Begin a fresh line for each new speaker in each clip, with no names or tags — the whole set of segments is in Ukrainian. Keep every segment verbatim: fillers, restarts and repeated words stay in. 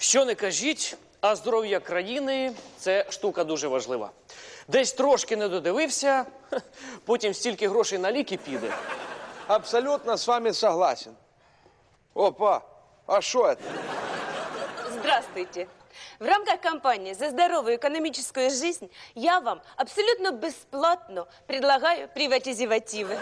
Що не кажіть, а здоров'я країни – це штука дуже важлива. Десь трошки не додивився, потім стільки грошей на ліки піде.
Абсолютно с вами согласен. Опа, а что это?
Здравствуйте. В рамках кампании «За здоровую экономическую жизнь» я вам абсолютно бесплатно предлагаю приватизивативы.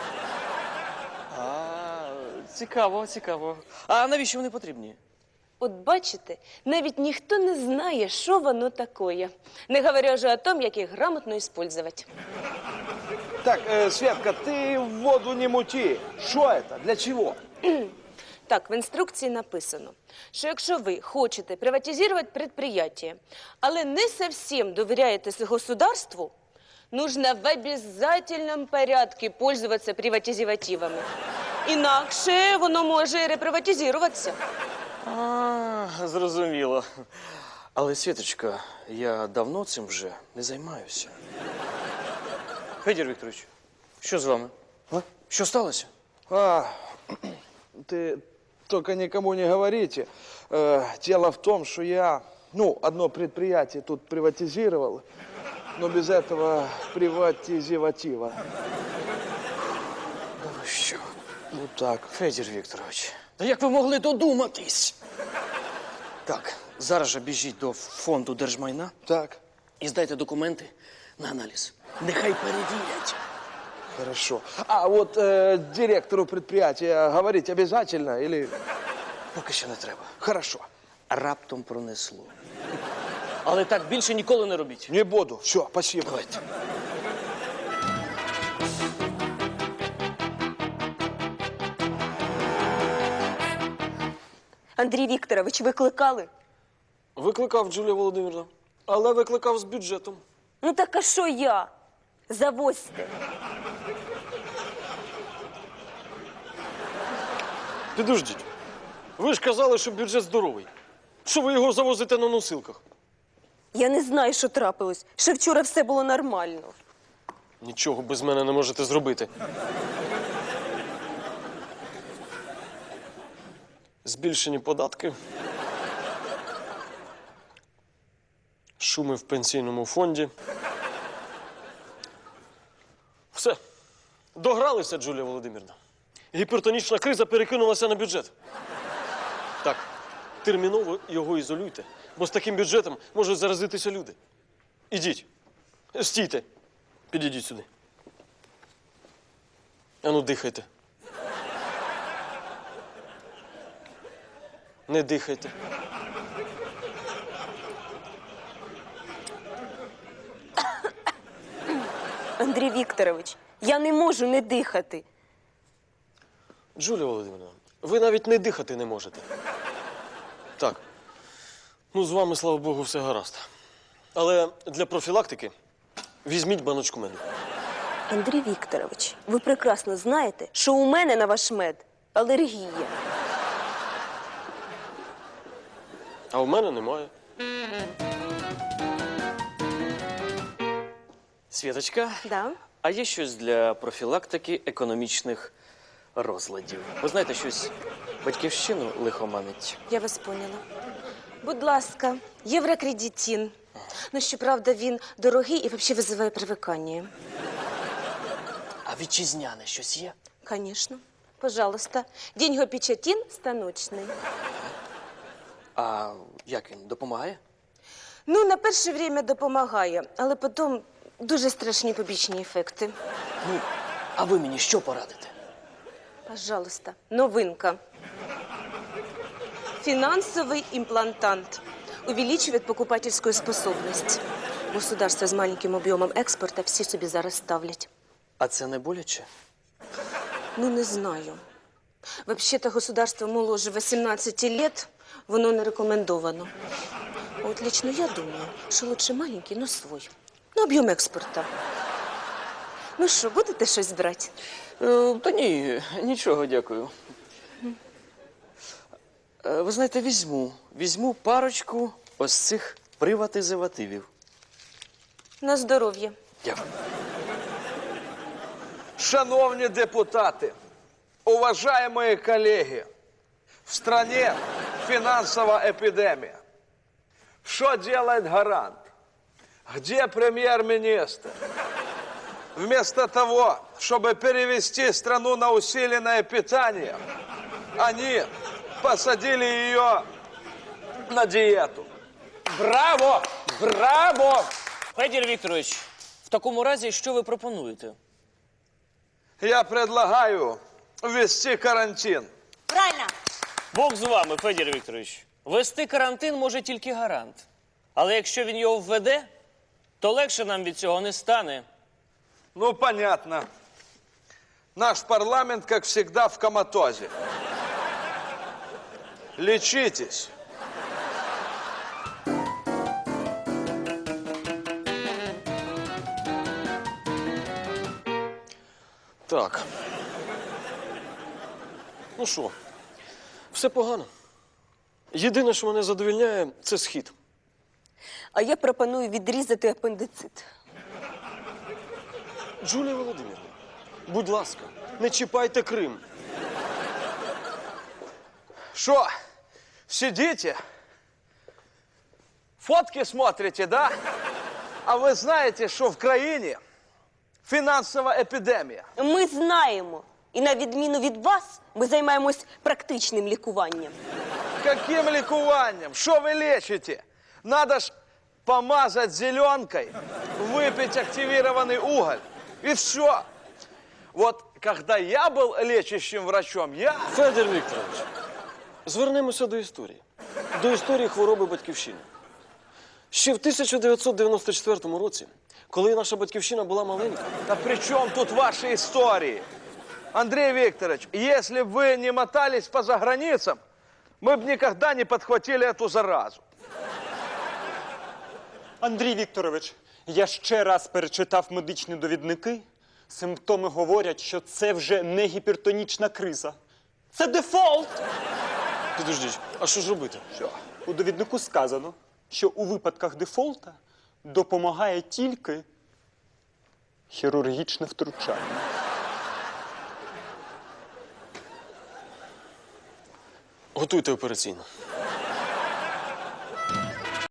А, цікаво, цікаво. А навіщо вони потрібні?
От бачите, навіть ніхто не знає, що воно такое. Не говоря вже о том, як їх грамотно использовать.
Так, э, Светка, ты в воду не мути. Что это? Для чего?
Так, в інструкції написано, що якщо ви хочете приватизувати підприємство, але не зовсім довіряєте государству, нужно в обязательном порядке пользоваться приватизивативами. Інакше воно може реприватизуватися.
А, зрозуміло. Але, Світочка, я давно цим вже не займаюся. Федір Вікторович, що з вами? А? Що сталося?
А, ты только никому не говорите. Э, дело в том, что я, ну, одно предприятие тут приватизировал, но без этого приватизиватива.
Да ви що?
Вот так.
Федір Вікторович, та як ви могли додуматись? Так, зараз же біжіть до фонду держмайна
Так,
і здайте документи на аналіз. Нехай перевірять.
хорошо. А вот э, директору предприятия говорить обязательно или...
Поки що не треба.
Хорошо.
Раптом пронесло. Але так більше ніколи не робіть.
Не буду. Все, спасибо.
Давайте.
Андрій Вікторович, викликали?
Викликав, Джулія Володимирівна, але викликав з бюджетом.
Ну так а що я? Завозьте.
Підождіть. Ви ж казали, що бюджет здоровий. Що ви його завозите на носилках?
Я не знаю, що трапилось. Ще вчора все було нормально.
Нічого без мене не можете зробити. Збільшені податки. Шуми в пенсійному фонді. Все. Догралися, Джулія Володимирівна. Гіпертонічна криза перекинулася на бюджет. Так, терміново його ізолюйте, бо з таким бюджетом можуть заразитися люди. Ідіть. Стійте. Підійдіть сюди. Ану, дихайте. Не дихайте.
Андрій Вікторович, я не можу не дихати.
Джулія Володимирівна, ви навіть не дихати не можете. Так. Ну, з вами, слава Богу, все гаразд. Але для профілактики візьміть баночку меду.
Андрій Вікторович, ви прекрасно знаєте, що у мене на ваш мед алергія.
А у мене немає.
Світочка,
Да?
а є щось для профілактики економічних розладів? Ви знаєте, щось батьківщину лихоманить?
Я вас поняла. Будь ласка, єврокредитин. Ну, щоправда, він дорогий і взагалі визиває привикання.
А вітчизняне щось є?
Конечно. Пожалуйста. Деньгопечатин станочний.
А як він, допомагає?
Ну, на перше время допомагає, але потім дуже страшні побічні ефекти.
Ну, а ви мені що порадите?
Пожалуйста. Новинка. Финансовый имплантант. Увеличивает покупательскую способность. Государство с маленьким объемом экспорта всі собі зараз ставлять.
А це не боляче?
Ну, не знаю. Вообще-то государство моложе восемнадцати лет, воно не рекомендовано. А от лично я думаю, що лучше маленький, но свой. На об'єм експорта. Ну що, будете щось брати?
Е, та ні, нічого, дякую. Е, ви знаєте, візьму. Візьму парочку ось цих приватизивативів.
На здоров'я.
Дякую.
Шановні депутати, уважаемые коллеги, в стране финансовая эпидемия. Что делает гарант? Где премьер-министр? Вместо того, чтобы перевести страну на усиленное питание, они посадили ее на диету.
Браво! Браво! Федір Вікторович, в такому разі, що ви пропонуєте?
Я предлагаю ввести карантин.
Правильно.
Бог з вами, Федір Вікторович. Вести карантин може тільки гарант. Але якщо він його введе, то легше нам від цього не стане.
Ну, понятно. Наш парламент, как всегда, в коматозе. Лечитесь.
Так. Ну що, все погано. Єдине, що мене задовільняє, це схід.
А я пропоную відрізати апендицит.
Джулія Володимирівна, будь ласка, не чіпайте Крим.
Что, сидите? Фотки смотрите, да? А вы знаете, что в краине финансовая эпидемия?
Ми знаємо. І на відміну від вас, ми займаємось практичним лікуванням.
Каким ликованием? Что вы лечите? Надо ж помазать зеленкой, выпить активированный уголь. И все. Вот когда я был лечащим врачом, я...
Федір Вікторович, звернемося до історії. До історії хвороби батьківщини. Ще в тисяча дев'ятсот дев'яносто четвертому році, коли наша батьківщина була маленька,
Да при чем тут ваши истории? Андрей Викторович, если бы вы не мотались по заграницам, мы бы никогда не подхватили эту заразу.
Андрій Вікторович, я ще раз перечитав медичні довідники. Симптоми говорять, що це вже не гіпертонічна криза. Це дефолт!
підождіть, а що ж робити?
Все.
У довіднику сказано, що у випадках дефолта допомагає тільки хірургічне втручання.
Готуйте операційну.